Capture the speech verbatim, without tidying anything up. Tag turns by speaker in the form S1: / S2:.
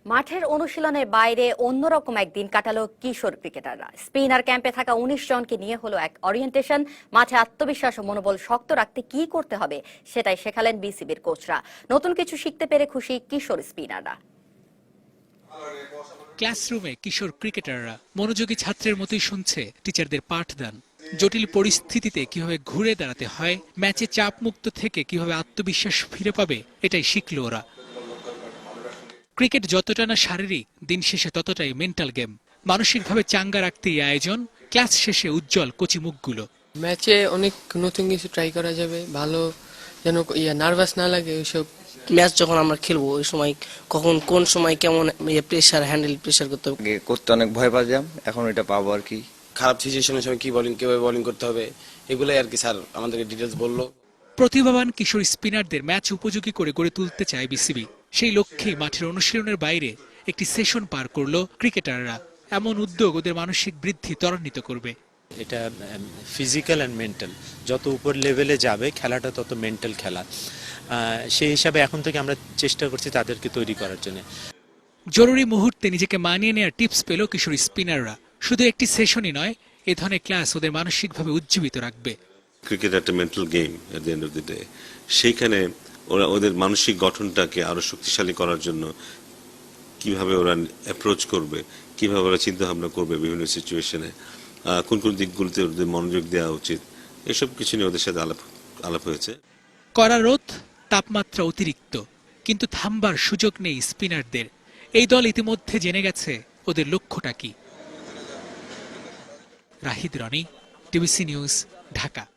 S1: মাঠের অনুশীলনের বাইরে অন্যরকম একদিন কাটালো কিশোর ক্রিকেটাররা। স্পিনার ক্যাম্পে থাকা উনিশ জনকে নিয়ে হলো এক ওরিয়েন্টেশন। মাঠে আত্মবিশ্বাস ও মনোবল শক্ত রাখতে কি করতে হবে সেটাই শেখালেন বিসিবির কোচরা। নতুন কিছু শিখতে পেরে খুশি কিশোর স্পিনাররা।
S2: ক্লাসরুমে কিশোর ক্রিকেটাররা মনোযোগী ছাত্রের মতোই শুনছে টিচারদের পাঠদান। জটিল পরিস্থিতিতে কিভাবে ঘুরে দাঁড়াতে হয়, ম্যাচে চাপ মুক্ত থেকে কিভাবে আত্মবিশ্বাস ফিরে পাবে, এটাই শিখল ওরা। ক্রিকেট যতটা না শারীরিক, দিন শেষে ততটাই মেন্টাল গেম। মানসিকভাবে চাঙ্গা রাখতে এই আয়োজন। ক্লাস শেষে উজ্জ্বল কচি মুখগুলো।
S3: ম্যাচে অনেক নতুন কিছু ট্রাই করা যাবে, ভালো যেন ইয়া নার্ভাস না লাগে। ওইসব
S4: ম্যাচ যখন আমরা খেলবো ওই সময় কখন কোন সময় কেমন প্রেসার হ্যান্ডেল প্রেসার করতে হবে
S5: করতে অনেক ভয় পাচ্ছিলাম, এখন এটা পাবো আর কি।
S6: খারাপ সিচুয়েশনের সময় কি বোলিং কিভাবে বোলিং করতে হবে এগুলাই আর কি স্যার আমাদেরকে ডিটেলস বললো।
S2: প্রতিভাবান কিশোর স্পিনারদের ম্যাচ উপযোগী করে গড়ে তুলতে চায় বিসিবি। সেই লক্ষ্যে মাঠের অনুশীলনের বাইরে একটি সেশন পার করলো ক্রিকেটাররা। এমন উদ্যোগ ওদের মানসিক বৃদ্ধি ত্বরান্বিত করবে।
S7: এটা ফিজিক্যাল অ্যান্ড মেন্টাল, যত উপর লেভেলে যাবে খেলাটা তত মেন্টাল খেলা। সেই হিসাবে এখন থেকে আমরা চেষ্টা করছি তাদেরকে তৈরি করার জন্য।
S2: জরুরি মুহূর্তে নিজেকে মানিয়ে নেওয়ার টিপস পেল কিশোর স্পিনাররা। শুধু একটি সেশনই নয়, এ ধরনের ক্লাস ওদের মানসিকভাবে উজ্জীবিত রাখবে।
S8: ক্রিকেট একটা mental game at the end of the day. সেইখানে ওরা ওদের মানসিক গঠনটাকে আরো শক্তিশালী করার জন্য কিভাবে ওরা অ্যাপ্রোচ করবে, কিভাবে ওরা চিন্তা ভাবনা করবে বিভিন্ন সিচুয়েশনে, কোন কোন দিকগুলোতে ওদের মনোযোগ দেওয়া উচিত, এসব কিছু নিয়ে ওদের সাথে আলাপ আলাপ হয়েছে।
S2: কড়া রোদ, তাপমাত্রা অতিরিক্ত, কিন্তু থামবার সুযোগ নেই স্পিনারদের। এই দল ইতিমধ্যে জেনে গেছে ওদের লক্ষ্যটা কি। Rahid Roni, TBC news, Dhaka.